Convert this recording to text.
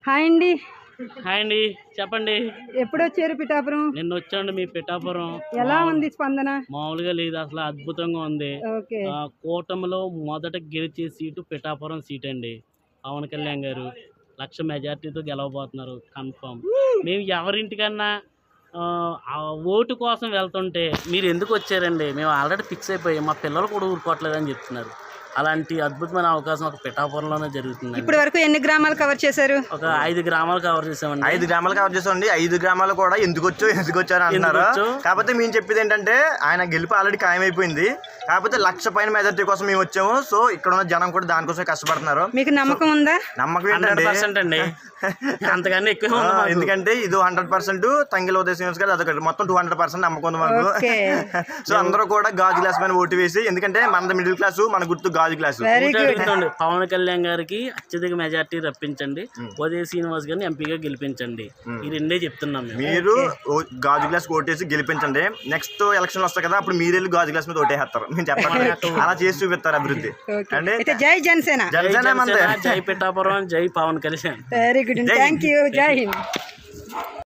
Hi అండి. Hi అండి, చెప్పండి. ఎప్పుడు వచ్చారు పిఠాపురం? నిన్న వచ్చాండి మీ పిఠాపురం. ఎలా ఉంది స్పందన? మామూలుగా లేదు, అసలు అద్భుతంగా ఉంది. ఓకే. కూటమిలో మొదట గెలిచే సీటు పిఠాపురం సీట్ అండి. పవన్ కళ్యాణ్ గారు 1,00,000 మెజార్టీతో గెలవబోతున్నారు కన్ఫర్మ్. మేము ఎవరింటికన్నా ఆ ఓటు కోసం వెళ్తుంటే మీరు ఎందుకు వచ్చారండి, మేము ఆల్రెడీ ఫిక్స్ అయిపోయాం, మా పిల్లలు కూడా ఊరుకోవట్లేదని చెప్తున్నారు. అలాంటి అద్భుతమైన అవకాశం ఒక పిఠాపురంలోనే జరుగుతుంది. ఇప్పటి వరకు ఎన్ని గ్రామాలు కవర్ చేశారు? ఒక 5 గ్రామాలు కవర్ చేసామండి. 5 గ్రామాలు కవర్ చేసామండి. 5 గ్రామాలు కూడా ఎందుకు వచ్చారు అంటున్నారు. కాకపోతే మేము చెప్పేది ఏంటంటే ఆయన గెలుపు ఆల్రెడీ ఖాయమైపోయింది. కాకపోతే 1,00,000 పైన మెజార్టీ కోసం మేము వచ్చాము. సో ఇక్కడ ఉన్న జనం కూడా దానికోసం కష్టపడుతున్నారు. మీకు నమ్మకం ఉందా? నమ్మకం ఏంటంటే 100% అండి, అంతకన్నా ఎక్కువ. ఎందుకంటే ఇది 100% తంగిల ఉదయం గారు అదొకటి, మొత్తం 200% నమ్మకం ఉంది మాకు. సో అందరూ కూడా గాజు గ్లాస్ పైన ఓటు వేసి, ఎందుకంటే మనది మిడిల్ క్లాస్, మన గుర్తు గాజు గ్లాస్. పవన్ కళ్యాణ్ గారికి అత్యధిక మెజార్టీ రప్పించండి, ఉదయ శ్రీనివాస్ గారిని ఎంపీగా గెలిపించండి. ఈ రెండే చెప్తున్నాం. మీరు గాజు గ్లాస్ ఓటేసి గెలిపించండి. నెక్స్ట్ ఎలక్షన్ వస్తాయి కదా, అప్పుడు మీరు వెళ్ళి గాజు గ్లాస్ మీద ఓటేస్తారు. మేము చెప్పండి, అలా చేసి చూపిస్తారు అభివృద్ధి. అంటే జై జనసేన, జై పిఠాపురం, జై Pawan Kalyan. Very good, thank you, జై హింద్.